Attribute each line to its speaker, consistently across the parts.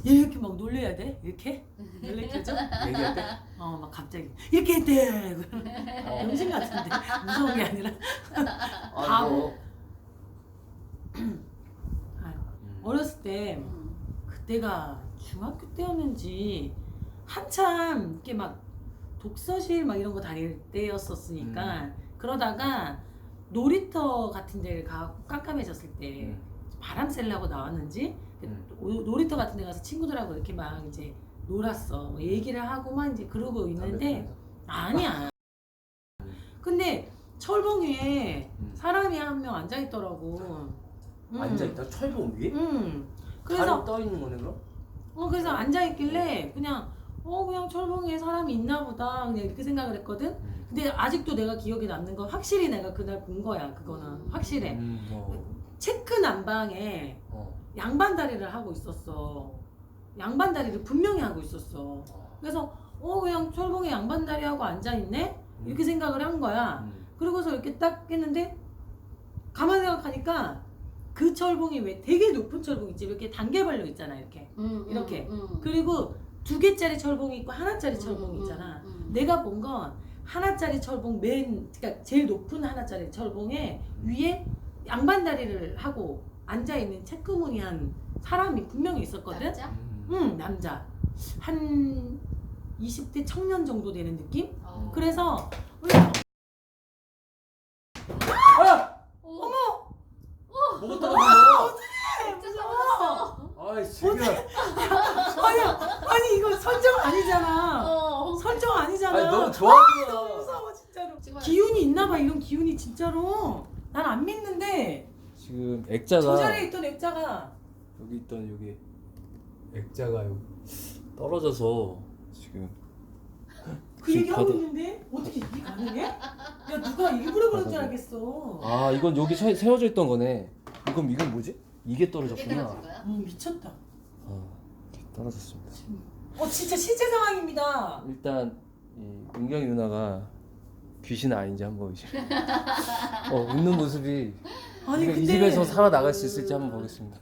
Speaker 1: 이렇게 막 놀래야 돼? 이렇게? 놀래켜줘?
Speaker 2: 얘기할 때?
Speaker 1: 막 갑자기 이렇게 했대. 병신 같은데 무서운 게 아니라 바보. 어렸을 때 그때가 중학교 때였는지 한참 이렇게 막 독서실 막 이런 거 다닐 때였었으니까 그러다가 놀이터 같은 데를 가고 깜깜해졌을 때 바람 쐬려고 나왔는지 놀이터 같은 데 가서 친구들하고 이렇게 막 이제 놀았어. 뭐 얘기를 하고만 이제 그러고 있는데 아니야. 근데 철봉 위에 사람이 한 명 앉아 있더라고.
Speaker 2: 앉아있다? 철봉 위에?
Speaker 1: 그래서
Speaker 2: 다리 떠 있는 거네 그럼?
Speaker 1: 그래서 앉아 있길래 그냥 그냥 철봉 위에 사람이 있나 보다 그냥 이렇게 생각을 했거든. 근데 아직도 내가 기억에 남는 건 확실히 내가 그날 본 거야. 그거는 확실해. 체크 난방에 양반다리를 하고 있었어. 양반다리를 분명히 하고 있었어. 그래서 그냥 철봉에 양반다리 하고 앉아있네? 이렇게 생각을 한 거야. 그러고서 이렇게 딱 했는데 가만히 생각하니까 그 철봉이 왜 되게 높은 철봉 있지? 이렇게 단계별로 있잖아. 이렇게 이렇게. 그리고 2개짜리 철봉이 있고 하나짜리 철봉이 있잖아. 내가 본 건 하나짜리 철봉 그러니까 제일 높은 하나짜리 철봉에 위에 양반다리를 하고 앉아있는 체크무늬한 사람이 분명히 있었거든.
Speaker 3: 남자?
Speaker 1: 남자. 한 20대 청년 정도 되는 느낌? 그래서 어머!
Speaker 2: 뭐가 떨어졌어?
Speaker 3: 무서웠어.
Speaker 2: 아이 새끼야.
Speaker 1: 아니 이거 설정 아니잖아. 설정 아니잖아.
Speaker 2: 아니 너무 좋아하는
Speaker 1: 너무
Speaker 2: 거야.
Speaker 1: 무서워 진짜로.
Speaker 3: 지금
Speaker 1: 기운이 있나봐. 이런 기운이 진짜로. 난 안 믿는데
Speaker 2: 지금
Speaker 1: 저
Speaker 2: 액자가
Speaker 1: 자리에 있던 액자가
Speaker 2: 여기 있던 여기 액자가 여기 떨어져서 지금
Speaker 1: 그 얘기 하고
Speaker 2: 바닥-
Speaker 1: 있는데 어떻게 이게 가능해? 야 누가 일부러 그런 줄 알겠어.
Speaker 2: 아 이건 여기 세워져 있던 거네. 이건 뭐지? 이게
Speaker 3: 그게
Speaker 2: 떨어졌구나.
Speaker 3: 떨어진 거야?
Speaker 1: 미쳤다.
Speaker 2: 이렇게 떨어졌습니다.
Speaker 1: 진짜 실제 상황입니다.
Speaker 2: 일단 이 은경이 누나가 귀신 아닌지 한번 이제 웃는 모습이
Speaker 1: 아니
Speaker 2: 이 집에서 살아나갈 수 있을지 한번 보겠습니다.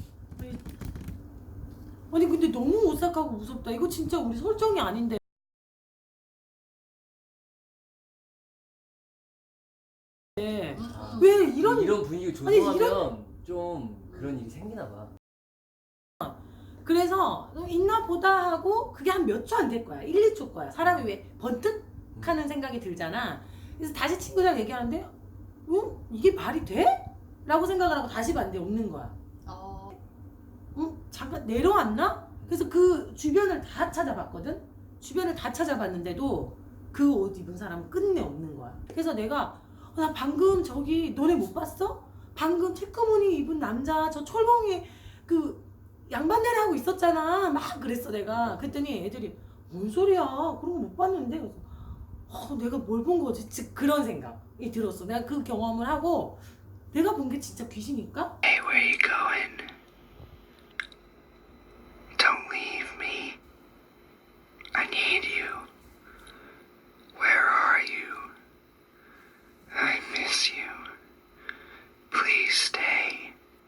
Speaker 1: 아니 근데 너무 오싹하고 무섭다. 이거 진짜 우리 설정이 아닌데. 왜 이런
Speaker 2: 분위기
Speaker 1: 조성하면
Speaker 2: 조성하면 좀 그런 일이 생기나 봐.
Speaker 1: 그래서 있나 보다 하고 그게 한 몇 초 안 될 거야. 1, 2초 거야. 사람이 왜 번뜩 하는 생각이 들잖아. 그래서 다시 친구랑 얘기하는데 이게 말이 돼? 라고 생각을 하고 다시 봤는데 없는 거야. 잠깐 내려왔나? 그래서 그 주변을 다 찾아봤거든? 주변을 다 찾아봤는데도 그 옷 입은 사람은 끝내 없는 거야. 그래서 내가 나 방금 저기 너네 못 봤어? 방금 체크무늬 입은 남자 저 철봉이 그 양반다리 하고 있었잖아. 막 그랬어 내가. 그랬더니 애들이 뭔 소리야 그런 거 못 봤는데. 그래서 내가 뭘 본 거지? 즉 그런 생각이 들었어. 내가 그 경험을 하고 내가 본 게 진짜 귀신일까?